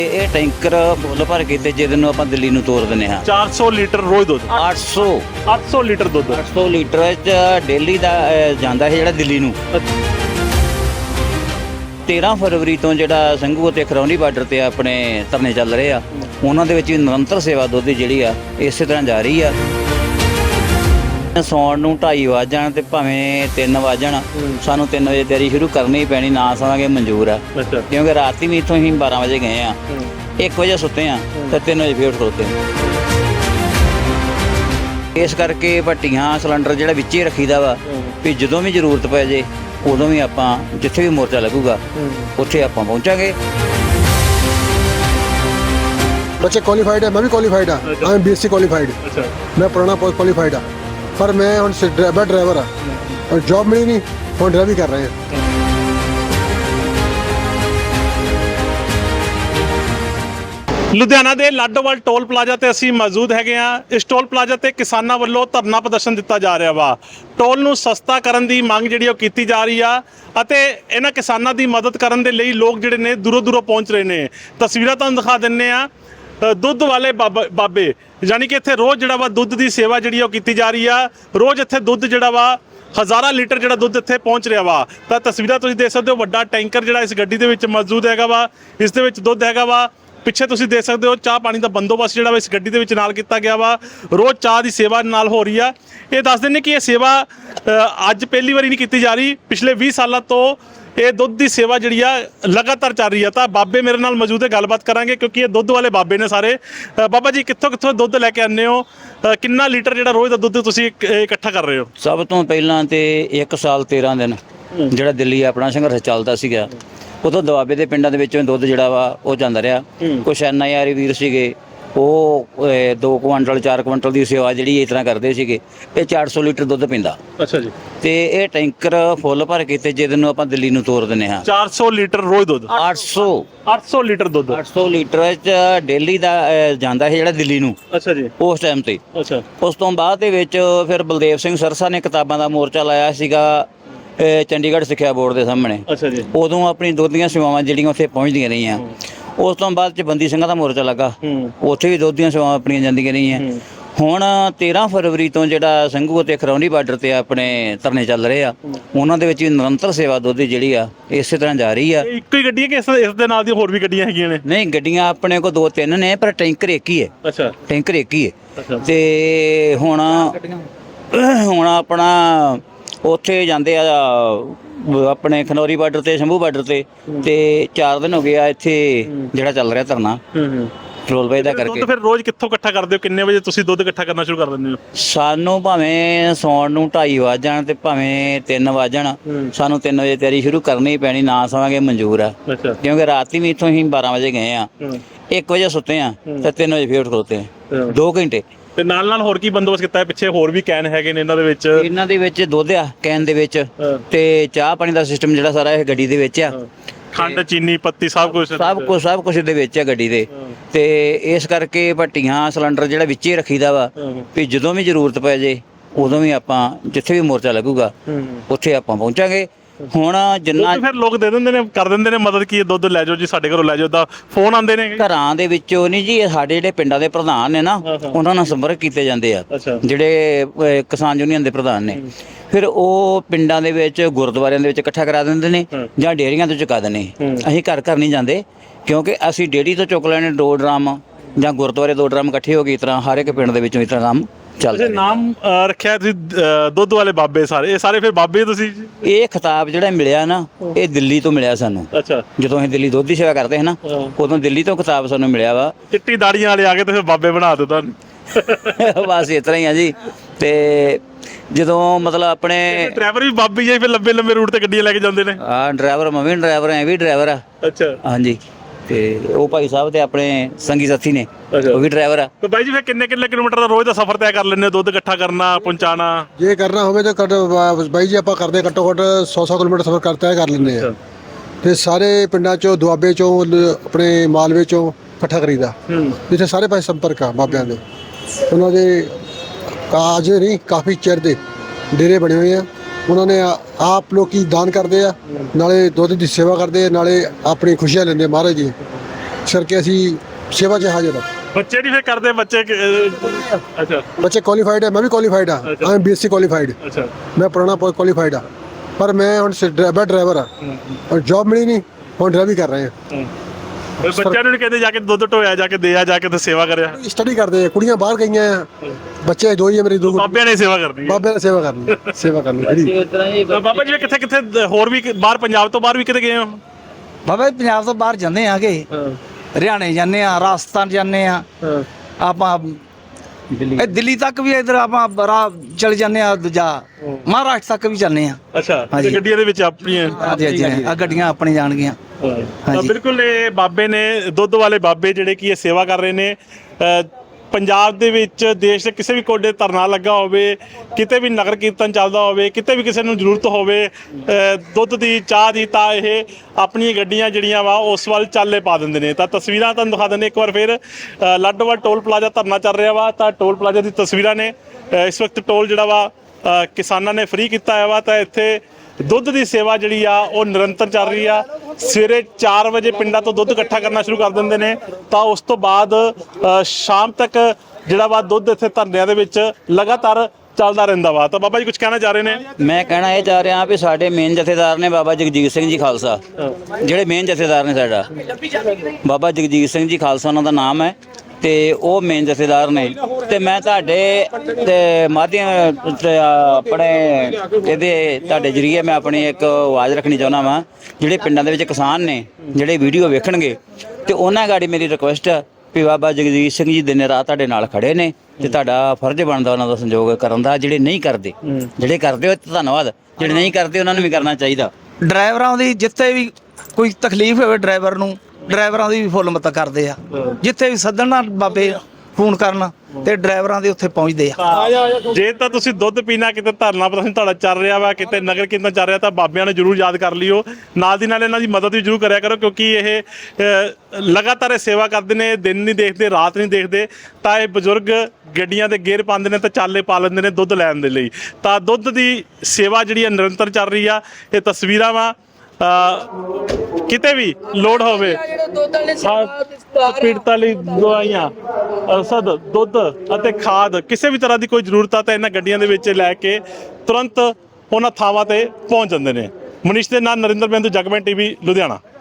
ਇਹ ਟੈਂਕਰ ਫੁੱਲ ਭਰ ਕੇ ਤੇ ਜਿਹਦੇ ਨੂੰ ਆਪਾਂ ਦਿੱਲੀ ਨੂੰ ਤੋਰ ਦਿੰਦੇ ਹਾਂ। 400 ਲੀਟਰ ਰੋਜ਼ ਦੁੱਧ 800 ਲੀਟਰ ਦੁੱਧ 800 ਲੀਟਰ ਚ ਡੇਲੀ ਦਾ ਜਾਂਦਾ ਹੈ ਜਿਹੜਾ ਦਿੱਲੀ ਨੂੰ। 13 ਫਰਵਰੀ ਤੋਂ ਜਿਹੜਾ ਸੰਘੂ ਅਤੇ ਖਰੌਣੀ ਬਾਰਡਰ ਤੇ ਆਪਣੇ ਧਰਨੇ ਚੱਲ ਰਹੇ ਆ, ਉਹਨਾਂ ਦੇ ਵਿੱਚ ਵੀ ਨਿਰੰਤਰ ਸੇਵਾ ਦੁੱਧ ਦੀ ਜਿਹੜੀ ਆ ਇਸੇ ਤਰ੍ਹਾਂ ਜਾ ਰਹੀ ਆ। ਸੌਣ ਨੂੰ 2:30 ਵੱਜ ਜਾਣ ਤੇ ਭਾਵੇਂ 3 ਵੱਜ ਜਾਣ, ਸਾਨੂੰ 3 ਵਜੇ ਤਿਆਰੀ ਸ਼ੁਰੂ ਕਰਨੀ ਹੀ ਪੈਣੀ, ਨਾ ਸਵਾਂਗੇ ਮਨਜ਼ੂਰ ਆ। ਕਿਉਂਕਿ ਰਾਤੀ ਵੀ ਇੱਥੋਂ ਅਸੀਂ 12 ਵਜੇ ਗਏ ਆ, 1 ਵਜੇ ਸੁੱਤੇ ਆ ਤੇ 3 ਵਜੇ ਫੇਰ ਖਲੋਤੇ। ਇਸ ਕਰਕੇ ਭੱਟੀਆਂ ਸਿਲੰਡਰ ਜਿਹੜਾ ਵਿੱਚ ਹੀ ਰੱਖੀਦਾ ਵਾ ਵੀ ਜਦੋਂ ਵੀ ਜ਼ਰੂਰਤ ਪੈ ਜੇ ਉਦੋਂ ਵੀ ਆਪਾਂ ਜਿੱਥੇ ਵੀ ਮੋਰਚਾ ਲੱਗੂਗਾ ਉੱਥੇ ਆਪਾਂ ਪਹੁੰਚਾਂਗੇ। बच्चे क्वालिफाइड है, मैं भी क्वालिफाइड हाँ, आई एम BSc क्वालिफाइड। अच्छा, मैं पुराना पोस्ट क्वालिफाइड हाँ, पर मैं ਹੁਣ ड्राइवर हाँ और जॉब मिली नहीं, ਹੁਣ ड्राइविंग कर रहे हैं। ਲੁਧਿਆਣਾ ਦੇ ਲਾਡੋਵਾਲ ਟੋਲ ਪਲਾਜ਼ਾ ਤੇ ਅਸੀਂ ਮੌਜੂਦ ਹੈਗੇ ਆ। ਇਸ ਟੋਲ ਪਲਾਜ਼ਾ ਤੇ ਕਿਸਾਨਾਂ ਵੱਲੋਂ ਧਰਨਾ ਪ੍ਰਦਰਸ਼ਨ ਦਿੱਤਾ ਜਾ ਰਿਹਾ ਵਾ। ਟੋਲ ਨੂੰ ਸਸਤਾ ਕਰਨ ਦੀ ਮੰਗ ਜਿਹੜੀ ਉਹ ਕੀਤੀ ਜਾ ਰਹੀ ਆ ਅਤੇ ਇਹਨਾਂ ਕਿਸਾਨਾਂ ਦੀ ਮਦਦ ਕਰਨ ਦੇ ਲਈ ਲੋਕ ਜਿਹੜੇ ਨੇ ਦੂਰੋਂ ਦੂਰੋਂ ਪਹੁੰਚ ਰਹੇ ਨੇ। ਤਸਵੀਰਾਂ ਤੁਹਾਨੂੰ ਦਿਖਾ ਦਿੰਨੇ ਆ ਦੁੱਧ ਵਾਲੇ ਬਾਬੇ, ਯਾਨੀ ਕਿ ਇੱਥੇ ਰੋਜ਼ ਜਿਹੜਾ ਵਾ ਦੁੱਧ ਦੀ ਸੇਵਾ ਜਿਹੜੀ ਉਹ ਕੀਤੀ ਜਾ ਰਹੀ ਆ। ਰੋਜ਼ ਇੱਥੇ ਦੁੱਧ ਜਿਹੜਾ ਵਾ ਹਜ਼ਾਰਾਂ ਲੀਟਰ ਜਿਹੜਾ ਦੁੱਧ ਇੱਥੇ ਪਹੁੰਚ ਰਿਹਾ ਵਾ। ਤਾਂ ਤਸਵੀਰਾਂ ਤੁਸੀਂ ਦੇਖ ਸਕਦੇ ਹੋ, ਵੱਡਾ ਟੈਂਕਰ ਜਿਹੜਾ ਇਸ ਗੱਡੀ ਦੇ ਵਿੱਚ ਮੌਜੂਦ ਹੈਗਾ ਵਾ, ਇਸ ਦੇ ਵਿੱਚ ਦੁੱਧ ਹੈਗਾ ਵਾ। ਪਿੱਛੇ ਤੁਸੀਂ ਦੇਖ ਸਕਦੇ ਹੋ ਚਾਹ ਪਾਣੀ ਦਾ ਬੰਦੋਬਸਤ ਜਿਹੜਾ ਵਾ ਇਸ ਗੱਡੀ ਦੇ ਵਿੱਚ ਨਾਲ ਕੀਤਾ ਗਿਆ ਵਾ। ਰੋਜ਼ ਚਾਹ ਦੀ ਸੇਵਾ ਨਾਲ ਹੋ ਰਹੀ ਆ। ਇਹ ਦੱਸ ਦਿੰਦੇ ਕਿ ਇਹ ਸੇਵਾ ਅੱਜ ਪਹਿਲੀ ਵਾਰੀ ਨਹੀਂ ਕੀਤੀ ਜਾ ਰਹੀ, ਪਿਛਲੇ 20 ਸਾਲਾਂ ਤੋਂ ਇਹ ਦੁੱਧ ਦੀ ਸੇਵਾ ਜਿਹੜੀ ਆ ਲਗਾਤਾਰ ਚੱਲ ਰਹੀ ਆ। ਤਾਂ ਬਾਬੇ ਮੇਰੇ ਨਾਲ ਮੌਜੂਦ ਹੈ, ਗੱਲਬਾਤ ਕਰਾਂਗੇ ਕਿਉਂਕਿ ਇਹ ਦੁੱਧ ਵਾਲੇ ਬਾਬੇ ਨੇ ਸਾਰੇ। ਬਾਬਾ ਜੀ ਕਿੱਥੋਂ ਕਿੱਥੋਂ ਦੁੱਧ ਲੈ ਕੇ ਆਉਂਦੇ ਹੋ? ਕਿੰਨਾ ਲੀਟਰ ਜਿਹੜਾ ਰੋਜ਼ ਦਾ ਦੁੱਧ ਤੁਸੀਂ ਇਕੱਠਾ ਕਰ ਰਹੇ ਹੋ? ਸਭ ਤੋਂ ਪਹਿਲਾਂ ਤੇ 1 ਸਾਲ 13 ਦਿਨ ਜਿਹੜਾ ਦਿੱਲੀ ਆਪਣਾ ਸੰਘਰਸ਼ ਚੱਲਦਾ ਸੀਗਾ, ਉਦੋਂ ਦੁਆਬੇ ਦੇ ਪਿੰਡਾਂ ਦੇ ਵਿੱਚੋਂ ਦੁੱਧ ਜਿਹੜਾ ਵਾ ਉਹ ਜਾਂਦਾ ਰਿਹਾ। ਕੁਛ NIR ਵੀਰ ਸੀਗੇ, ਉਹ 2 ਕੁਆਂਟਲ 4 ਕੁਆਂਟਲ ਦੀ ਸੇਵਾ ਜਿਹੜੀ ਇਸ ਤਰ੍ਹਾਂ ਕਰਦੇ ਸੀਗੇ। ਇਹ 400 ਲੀਟਰ ਦੁੱਧ ਪੀਂਦਾ। ਅੱਛਾ ਜੀ। ਤੇ ਇਹ ਟੈਂਕਰ ਫੁੱਲ ਭਰ ਕੇ ਤੇ ਜਿਹਦੇ ਨੂੰ ਆਪਾਂ ਦਿੱਲੀ ਨੂੰ ਤੋਰ ਦਿੰਦੇ ਹਾਂ। 400 ਲੀਟਰ ਰੋਜ਼ ਦੁੱਧ 800 ਲੀਟਰ ਦੁੱਧ 800 ਲੀਟਰ ਚ ਡੇਲੀ ਦਾ ਜਾਂਦਾ ਹੈ ਜਿਹੜਾ ਦਿੱਲੀ ਨੂੰ। ਅੱਛਾ ਜੀ। ਉਸ ਟਾਈਮ ਤੇ ਅੱਛਾ, ਉਸ ਤੋਂ ਬਾਅਦ ਦੇ ਵਿੱਚ ਫਿਰ ਬਲਦੇਵ ਸਿੰਘ ਸਰਸਾ ਨੇ ਕਿਤਾਬਾਂ ਦਾ ਮੋਰਚਾ ਲਾਇਆ ਸੀਗਾ ਚੰਡੀਗੜ੍ਹ ਸਿੱਖਿਆ ਬੋਰਡ ਦੇ ਸਾਹਮਣੇ। ਅੱਛਾ ਜੀ। ਉਦੋਂ ਆਪਣੀ ਦੁੱਧ ਦੀਆਂ ਸੇਵਾਵਾਂ ਜਿਹੜੀਆਂ ਉੱਥੇ ਪਹੁੰਚਦੀਆਂ ਰਹੀਆਂ। ਉਸ ਤੋਂ ਬਾਅਦ ਚ ਬੰਦੀ ਸਿੰਘਾਂ ਦਾ ਮੋਰਚਾ ਲੱਗਾ, ਉੱਥੇ ਵੀ ਦੁੱਧ ਦੀਆਂ ਸੇਵਾਵਾਂ ਆਪਣੀਆਂ ਜਾਂਦੀਆਂ ਰਹੀਆਂ। ਹੁਣ 13 ਫਰਵਰੀ ਤੋਂ ਜਿਹੜਾ ਸੰਘੂ ਅਤੇ ਖਰੌਣੀ ਬਾਰਡਰ ਤੇ ਆਪਣੇ ਧਰਨੇ ਚੱਲ ਰਹੇ ਆ, ਉਹਨਾਂ ਦੇ ਵਿੱਚ ਵੀ ਨਿਰੰਤਰ ਸੇਵਾ ਦੁੱਧ ਦੀ ਜਿਹੜੀ ਆ ਇਸੇ ਤਰ੍ਹਾਂ ਜਾ ਰਹੀ ਆ। ਇੱਕੋ ਹੀ ਗੱਡੀ ਹੈ ਕਿ ਇਸ ਦੇ ਨਾਲ ਦੀ ਹੋਰ ਵੀ ਗੱਡੀਆਂ ਹੈਗੀਆਂ ਨੇ? ਨਹੀਂ, ਗੱਡੀਆਂ ਆਪਣੇ ਕੋਲ 2-3 ਨੇ, ਪਰ ਟੈਂਕਰ ਇੱਕ ਹੀ ਹੈ। ਅੱਛਾ, ਟੈਂਕਰ ਇੱਕ ਹੀ ਹੈ। ਅੱਛਾ। ਤੇ ਹੁਣ ਆਪਣਾ ਉੱਥੇ ਜਾਂਦੇ ਆ ਆਪਣੇ ਖਨੌਰੀ ਬਾਰਡਰ ਤੇ ਸ਼ੰਭੂ ਬਾਰਡਰ ਤੇ 4 ਦਿਨ ਹੋ ਗਏ ਆ ਇੱਥੇ ਜਿਹੜਾ ਚੱਲ ਰਿਹਾ ਧਰਨਾ ਟੋਲ ਪਲਾਜ਼ਾ ਦਾ ਕਰਕੇ। ਦੁੱਧ ਫਿਰ ਰੋਜ਼ ਕਿੱਥੋਂ ਇਕੱਠਾ ਕਰਦੇ ਹੋ? ਕਿੰਨੇ ਵਜੇ ਤੁਸੀਂ ਦੁੱਧ ਇਕੱਠਾ ਕਰਨਾ ਸ਼ੁਰੂ ਕਰ ਦਿੰਦੇ ਹੋ? ਸਾਨੂੰ ਭਾਵੇਂ ਸੌਣ ਨੂੰ 2:30 ਵੱਜ ਜਾਣ ਤੇ ਭਾਵੇਂ 3 ਵੱਜ ਜਾਣ, ਸਾਨੂੰ 3 ਵਜੇ ਤਿਆਰੀ ਸ਼ੁਰੂ ਕਰਨੀ ਹੀ ਪੈਣੀ, ਨਾ ਸਵਾਂਗੇ ਮਨਜ਼ੂਰ ਆ। ਕਿਉਂਕਿ ਰਾਤੀ ਵੀ ਇੱਥੋਂ ਅਸੀਂ 12 ਵਜੇ ਗਏ ਆ, 1 ਵਜੇ ਸੁੱਤੇ ਆ ਤੇ 3 ਵਜੇ ਫੇਰ ਖਲੋਤੇ 2 ਘੰਟੇ। ਤੇ ਨਾਲ ਹੋਰ ਕੀ ਬੰਦੋਬਸਤ ਕੀਤਾ ਹੈ? ਪਿੱਛੇ ਹੋਰ ਵੀ ਕੈਨ ਹੈਗੇ ਨੇ ਇਹਨਾਂ ਦੇ ਵਿੱਚ ਦੁੱਧ ਆ ਕੈਨ ਦੇ ਵਿੱਚ, ਤੇ ਚਾਹ ਪਾਣੀ ਦਾ ਸਿਸਟਮ ਜਿਹੜਾ ਸਾਰਾ ਇਹ ਗੱਡੀ ਦੇ ਵਿੱਚ ਆ। ਖੰਡ, ਚੀਨੀ, ਪੱਤੀ ਸਭ ਕੁਝ ਇਹਦੇ ਵਿੱਚ ਆ ਗੱਡੀ ਦੇ। ਤੇ ਇਸ ਕਰਕੇ ਭੱਟੀਆਂ ਸਿਲੰਡਰ ਜਿਹੜਾ ਵਿੱਚ ਹੀ ਰੱਖੀਦਾ ਵਾ ਵੀ ਜਦੋਂ ਵੀ ਜ਼ਰੂਰਤ ਪੈ ਜੇ ਉਦੋਂ ਵੀ ਆਪਾਂ ਜਿੱਥੇ ਵੀ ਮੋਰਚਾ ਲੱਗੂਗਾ ਉੱਥੇ ਆਪਾਂ ਪਹੁੰਚਾਂਗੇ। ਹੁਣ ਜਿੰਨਾ ਫਿਰ ਲੋਕ ਦੇ ਦਿੰਦੇ ਨੇ, ਕਰ ਦਿੰਦੇ ਨੇ ਮਦਦ, ਕੀ ਦੁੱਧ ਲੈ ਜਾਓ ਜੀ, ਸਾਡੇ ਘਰੋਂ ਲੈ ਜਾਓ, ਦਾ ਫੋਨ ਆਉਂਦੇ ਨੇ ਘਰਾਂ ਦੇ ਵਿੱਚੋਂ ਨਹੀਂ ਜੀ। ਸਾਡੇ ਜਿਹੜੇ ਪਿੰਡਾਂ ਦੇ ਪ੍ਰਧਾਨ ਨੇ ਨਾ, ਉਹਨਾਂ ਨਾਲ ਸੰਪਰਕ ਕੀਤੇ ਜਾਂਦੇ ਆ, ਜਿਹੜੇ ਕਿਸਾਨ ਯੂਨੀਅਨ ਦੇ ਪ੍ਰਧਾਨ ਨੇ। ਫਿਰ ਉਹ ਪਿੰਡਾਂ ਦੇ ਵਿੱਚ ਗੁਰਦੁਆਰਿਆਂ ਦੇ ਵਿੱਚ ਇਕੱਠਾ ਕਰਾ ਦਿੰਦੇ ਨੇ ਜਾਂ ਡੇਅਰੀਆਂ ਤੋਂ ਚੁਕਾ ਦਿੰਦੇ। ਅਸੀਂ ਘਰ ਘਰ ਨਹੀਂ ਜਾਂਦੇ, ਕਿਉਂਕਿ ਅਸੀਂ ਡੇਅਰੀ ਤੋਂ ਚੁੱਕ ਲੈਣੇ 2 ਡਰਮ ਜਾਂ ਗੁਰਦੁਆਰੇ 2 ਡਰਮ ਇਕੱਠੇ ਹੋ ਗਏ। ਇਸ ਤਰ੍ਹਾਂ ਹਰ ਇੱਕ ਪਿੰਡ ਦੇ ਵਿੱਚੋਂ ਇਸ ਤਰ੍ਹਾਂ ਕੰਮ ਚੱਲਦਾ। ਨਾਮ ਰੱਖਿਆ ਤੁਸੀਂ ਦੁੱਧ ਵਾਲੇ ਬਾਬੇ, ਸਾਰੇ ਇਹ ਸਾਰੇ ਫਿਰ ਬਾਬੇ ਤੁਸੀਂ? ਇਹ ਖਿਤਾਬ ਜਿਹੜਾ ਮਿਲਿਆ ਨਾ, ਇਹ ਦਿੱਲੀ ਤੋਂ ਮਿਲਿਆ ਸਾਨੂੰ। ਅੱਛਾ। ਜਦੋਂ ਅਸੀਂ ਦਿੱਲੀ ਦੁੱਧ ਦੀ ਸੇਵਾ ਕਰਦੇ ਹਾਂ ਨਾ, ਉਦੋਂ ਦਿੱਲੀ ਤੋਂ ਖਿਤਾਬ ਸਾਨੂੰ ਮਿਲਿਆ ਵਾ। ਚਿੱਟੀ ਦਾੜੀਆਂ ਵਾਲੇ ਆ ਕੇ ਤੇ ਫਿਰ ਬਾਬੇ ਬਣਾ ਦਿਓ ਤੁਹਾਨੂੰ? ਬਸ ਇਸ ਤਰ੍ਹਾਂ ਹੀ ਆ ਜੀ। ਤੇ ਜਦੋਂ ਮਤਲਬ ਆਪਣੇ ਡਰਾਈਵਰ ਵੀ ਬਾਬੇ ਜੀ ਫਿਰ ਲੰਬੇ ਲੰਬੇ ਰੂਟ ਤੇ ਗੱਡੀਆਂ ਲੈ ਕੇ ਜਾਂਦੇ ਨੇ? ਹਾਂ, ਡਰਾਈਵਰ ਮੈਂ ਵੀ ਡਰਾਈਵਰ ਐ ਵੀ ਡਰਾਈਵਰ ਆ। ਅੱਛਾ। ਹਾਂਜੀ। ਤੇ ਉਹ ਭਾਈ ਸਾਹਿਬ ਤੇ ਆਪਣੇ ਸੰਗੀ ਸਾਥੀ ਨੇ, ਉਹ ਵੀ ਡਰਾਈਵਰ ਆ। ਤੇ ਬਾਈ ਜੀ ਫਿਰ ਕਿੰਨੇ ਕਿਲੋਮੀਟਰ ਦਾ ਰੋਜ਼ ਦਾ ਸਫ਼ਰ ਤੈਅ ਕਰ ਲੈਂਦੇ ਹੋ ਦੁੱਧ ਇਕੱਠਾ ਕਰਨਾ, ਪਹੁੰਚਾਣਾ? ਜੇ ਕਰਨਾ ਹੋਵੇ ਤਾਂ ਬਾਈ ਜੀ ਆਪਾਂ ਕਰਦੇ ਘੱਟੋ ਘੱਟ 100 ਕਿਲੋਮੀਟਰ ਸਫ਼ਰ ਤੈਅ ਕਰ ਲੈਂਦੇ ਆ। ਤੇ ਸਾਰੇ ਪਿੰਡਾਂ ਚੋਂ, ਦੁਆਬੇ ਚੋਂ, ਆਪਣੇ ਮਾਲਵੇ ਚੋਂ ਇਕੱਠਾ ਕਰੀਦਾ, ਜਿੱਥੇ ਸਾਰੇ ਪਾਸੇ ਸੰਪਰਕ ਆ ਬਾਬਿਆਂ ਦੇ। ਉਹਨਾਂ ਦੇ ਅੱਜ ਨਹੀਂ, ਕਾਫੀ ਚਿਰ ਦੇ ਡੇਰੇ ਬਣੇ ਹੋਏ ਆ। ਉਹਨਾਂ ਨੇ ਆਪ ਲੋਕੀ ਦਾਨ ਕਰਦੇ ਆ, ਨਾਲੇ ਦੁੱਧ ਦੀ ਸੇਵਾ ਕਰਦੇ ਆ, ਨਾਲੇ ਆਪਣੀ ਖੁਸ਼ੀਆਂ ਲੈਂਦੇ ਮਹਾਰਾਜ ਜੀ। ਇਸ ਕਰਕੇ ਅਸੀਂ ਸੇਵਾ 'ਚ ਹਾਜ਼ਰ ਹਾਂ। ਬੱਚੇ ਨਹੀਂ ਫਿਰ ਕਰਦੇ ਬੱਚੇ ਅੱਛਾ ਬੱਚੇ ਕੁਆਲੀਫਾਈਡ ਹੈ, ਮੈਂ ਵੀ ਕੁਆਲੀਫਾਈਡ ਹਾਂ, ਆਈ ਐਮ BSc ਕੁਆਲੀਫਾਈਡ, ਅੱਛਾ ਮੈਂ ਪੁਰਾਣਾ ਕੁਆਲੀਫਾਈਡ ਹਾਂ, ਪਰ ਮੈਂ ਹੁਣ ਡਰਾਈਵਰ ਹਾਂ, ਹੁਣ ਜੌਬ ਮਿਲੀ ਨਹੀਂ, ਹੁਣ ਡਰਾਈਵ ਹੀ ਕਰ ਰਹੇ ਹਾਂ। ਫਿਰ ਬੱਚਿਆਂ ਨੂੰ ਨੀ ਕਹਿੰਦੇ ਜਾ ਕੇ ਦੁੱਧ ਢੋਇਆ, ਜਾ ਕੇ ਦਿਆ, ਜਾ ਕੇ ਤੇ ਸੇਵਾ ਕਰਿਆ। ਸਟੱਡੀ ਕਰਦੇ ਆ, ਕੁੜੀਆਂ ਬਾਹਰ ਗਈਆਂ ਆ, ਬੱਚੇ ਦੋ ਹੀ ਆ ਮੇਰੇ, ਦੋ ਬਾਬਿਆਂ ਨੇ ਸੇਵਾ ਕਰਨੀ ਹੈ। ਬਾਬੇ ਨੇ ਸੇਵਾ ਕਰਨੀ, ਸੇਵਾ ਕਰਨੀ ਜਿਹੜੀ। ਬਾਬਾ ਜੀ ਕਿੱਥੇ ਕਿੱਥੇ ਹੋਰ ਵੀ ਬਾਹਰ, ਪੰਜਾਬ ਤੋਂ ਬਾਹਰ ਵੀ ਕਿਤੇ ਗਏ ਹੋ? ਬਾਬਾ ਜੀ ਪੰਜਾਬ ਤੋਂ ਬਾਹਰ ਜਾਂਦੇ ਆਗੇ, ਹਰਿਆਣੇ ਜਾਂਦੇ ਆ, ਰਾਜਸਥਾਨ ਜਾਂਦੇ ਆ, ਆਪਾਂ ਦਿੱਲੀ ਤੱਕ ਵੀ ਇਧਰ ਆਪਾਂ ਰਾਹ ਚਲੇ ਜਾਂਦੇ ਆ, ਦੂਜਾ ਮਹਾਰਾਸ਼ਟਰ ਤੱਕ ਵੀ ਜਾਂਦੇ ਆ। ਅੱਛਾ, ਗੱਡੀਆਂ ਦੇ ਵਿੱਚ ਆਪਣੀਆਂ? ਹਾਂਜੀ ਆ ਗੱਡੀਆਂ ਆਪਣੀ ਜਾਣਗੀਆਂ। ਤਾਂ ਬਿਲਕੁਲ ਇਹ ਬਾਬੇ ਨੇ, ਦੁੱਧ ਵਾਲੇ ਬਾਬੇ ਜਿਹੜੇ ਕਿ ਇਹ ਸੇਵਾ ਕਰ ਰਹੇ ਨੇ। ਪੰਜਾਬ ਦੇ ਵਿੱਚ, ਦੇਸ਼ ਦੇ ਕਿਸੇ ਵੀ ਕੋਨੇ ਧਰਨਾ ਲੱਗਾ ਹੋਵੇ, ਕਿਤੇ ਵੀ ਨਗਰ ਕੀਰਤਨ ਚੱਲਦਾ ਹੋਵੇ, ਕਿਤੇ ਵੀ ਕਿਸੇ ਨੂੰ ਜ਼ਰੂਰਤ ਹੋਵੇ ਦੁੱਧ ਦੀ, ਚਾਹ ਦੀ, ਤਾਂ ਇਹ ਆਪਣੀਆਂ ਗੱਡੀਆਂ ਜਿਹੜੀਆਂ ਵਾ ਉਸ ਵੱਲ ਚਾਲੇ ਪਾ ਦਿੰਦੇ ਨੇ। ਤਾਂ ਤਸਵੀਰਾਂ ਤੁਹਾਨੂੰ ਦਿਖਾ ਦਿੰਦੇ ਇੱਕ ਵਾਰ ਫਿਰ। ਲਾਡੋਵਾਲ ਟੋਲ ਪਲਾਜ਼ਾ ਧਰਨਾ ਚੱਲ ਰਿਹਾ ਵਾ, ਤਾਂ ਟੋਲ ਪਲਾਜ਼ਾ ਦੀ ਤਸਵੀਰਾਂ ਨੇ। ਇਸ ਵਕਤ ਟੋਲ ਜਿਹੜਾ ਵਾ ਕਿਸਾਨਾਂ ਨੇ ਫ੍ਰੀ ਕੀਤਾ ਹੋਇਆ ਵਾ, ਤਾਂ ਇੱਥੇ ਦੁੱਧ ਦੀ ਸੇਵਾ ਜਿਹੜੀ ਆ ਉਹ ਨਿਰੰਤਰ ਚੱਲ ਰਹੀ ਆ। ਸਵੇਰੇ 4 ਵਜੇ ਪਿੰਡਾਂ ਤੋਂ ਦੁੱਧ ਇਕੱਠਾ ਕਰਨਾ ਸ਼ੁਰੂ ਕਰ ਦਿੰਦੇ ਨੇ, ਤਾਂ ਉਸ ਤੋਂ ਬਾਅਦ ਸ਼ਾਮ ਤੱਕ ਜਿਹੜਾ ਵਾ ਦੁੱਧ ਇੱਥੇ ਧਰਨਿਆਂ ਦੇ ਵਿੱਚ ਲਗਾਤਾਰ ਚੱਲਦਾ ਰਹਿੰਦਾ ਵਾ। ਤਾਂ ਬਾਬਾ ਜੀ ਕੁਝ ਕਹਿਣਾ ਚਾਹ ਰਹੇ ਨੇ? ਮੈਂ ਕਹਿਣਾ ਇਹ ਚਾਹ ਰਿਹਾ ਵੀ ਸਾਡੇ ਮੇਨ ਜਥੇਦਾਰ ਨੇ ਬਾਬਾ ਜਗਜੀਤ ਸਿੰਘ ਜੀ ਖਾਲਸਾ, ਜਿਹੜੇ ਮੇਨ ਜਥੇਦਾਰ ਨੇ ਸਾਡਾ ਬਾਬਾ ਜਗਜੀਤ ਸਿੰਘ ਜੀ ਖਾਲਸਾ ਉਹਨਾਂ ਦਾ ਨਾਮ ਹੈ, ਤੇ ਉਹ ਮੇਨ ਜਥੇਦਾਰ ਨੇ। ਤੇ ਮੈਂ ਤੁਹਾਡੇ ਤੇ ਮਾਧਿਅਮ ਤੇ ਆਪਣੇ ਇਹਦੇ ਤੁਹਾਡੇ ਜਰੀਏ ਮੈਂ ਆਪਣੀ ਇੱਕ ਆਵਾਜ਼ ਰੱਖਣੀ ਚਾਹੁੰਦਾ ਵਾਂ, ਜਿਹੜੇ ਪਿੰਡਾਂ ਦੇ ਵਿੱਚ ਕਿਸਾਨ ਨੇ ਜਿਹੜੇ ਵੀਡੀਓ ਵੇਖਣਗੇ, ਤੇ ਉਹਨਾਂ ਗਾੜੀ ਮੇਰੀ ਰਿਕੁਐਸਟ ਆ ਵੀ ਬਾਬਾ ਜਗਜੀਤ ਸਿੰਘ ਜੀ ਦਿਨ ਰਾਤ ਤੁਹਾਡੇ ਨਾਲ ਖੜੇ ਨੇ, ਤੇ ਤੁਹਾਡਾ ਫਰਜ਼ ਬਣਦਾ ਉਹਨਾਂ ਦਾ ਸੰਯੋਗ ਕਰਨ ਦਾ। ਜਿਹੜੇ ਨਹੀਂ ਕਰਦੇ, ਜਿਹੜੇ ਕਰਦੇ ਹੋ ਧੰਨਵਾਦ, ਜਿਹੜੇ ਨਹੀਂ ਕਰਦੇ ਉਹਨਾਂ ਨੂੰ ਵੀ ਕਰਨਾ ਚਾਹੀਦਾ। ਡਰਾਈਵਰਾਂ ਦੀ ਜਿੱਥੇ ਵੀ ਕੋਈ ਤਕਲੀਫ ਹੋਵੇ ਡਰਾਈਵਰ ਨੂੰ, ਡਰਾਈਵਰਾਂ ਦੀ ਵੀ ਫੁੱਲ ਮਦਦ ਕਰਦੇ ਆ। ਜਿੱਥੇ ਵੀ ਸੱਦਣ ਨਾ ਬਾਬੇ ਫੋਨ ਕਰਨ, ਤੇ ਡਰਾਈਵਰਾਂ ਦੇ ਉੱਥੇ ਪਹੁੰਚਦੇ ਆ। ਜੇ ਤਾਂ ਤੁਸੀਂ ਦੁੱਧ ਪੀਣਾ, ਕਿਤੇ ਧਰਨਾ ਪ੍ਰਦਰਸ਼ਨ ਤੁਹਾਡਾ ਚੱਲ ਰਿਹਾ ਵਾ, ਕਿਤੇ ਨਗਰ ਕੀਰਤਨ ਚੱਲ ਰਿਹਾ, ਤਾਂ ਬਾਬਿਆਂ ਨੂੰ ਜ਼ਰੂਰ ਯਾਦ ਕਰ ਲਿਓ। ਨਾਲ ਦੀ ਨਾਲ ਇਹਨਾਂ ਦੀ ਮਦਦ ਵੀ ਜ਼ਰੂਰ ਕਰਿਆ ਕਰੋ, ਕਿਉਂਕਿ ਇਹ ਲਗਾਤਾਰ ਸੇਵਾ ਕਰਦੇ ਨੇ, ਦਿਨ ਨਹੀਂ ਦੇਖਦੇ, ਰਾਤ ਨਹੀਂ ਦੇਖਦੇ। ਤਾਂ ਇਹ ਬਜ਼ੁਰਗ ਗੱਡੀਆਂ ਦੇ ਗੇਅਰ ਪਾਉਂਦੇ ਨੇ, ਤਾਂ ਚਾਲੇ ਪਾ ਲੈਂਦੇ ਨੇ ਦੁੱਧ ਲੈਣ ਦੇ ਲਈ। ਤਾਂ ਦੁੱਧ ਦੀ ਸੇਵਾ ਜਿਹੜੀ ਹੈ ਨਿਰੰਤਰ ਚੱਲ ਰਹੀ ਆ। ਇਹ ਤਸਵੀਰਾਂ ਵਾ, ਕਿਤੇ ਵੀ ਲੋੜ ਹੋਵੇ, ਪੀੜਤਾਂ ਲਈ ਦਵਾਈਆਂ, ਔਸਧ, ਦੁੱਧ ਅਤੇ ਖਾਦ, ਕਿਸੇ ਵੀ ਤਰ੍ਹਾਂ ਦੀ ਕੋਈ ਜ਼ਰੂਰਤ ਆ ਤਾਂ ਇਹਨਾਂ ਗੱਡੀਆਂ ਦੇ ਵਿੱਚ ਲੈ ਕੇ ਤੁਰੰਤ ਉਹਨਾਂ ਥਾਵਾਂ ਤੇ ਪਹੁੰਚ ਜਾਂਦੇ ਨੇ। ਮਨੀਸ਼ ਦੇ ਨਾਲ ਨਰਿੰਦਰ ਬਿੰਦੂ, ਜਗਬਾਣੀ TV, ਲੁਧਿਆਣਾ।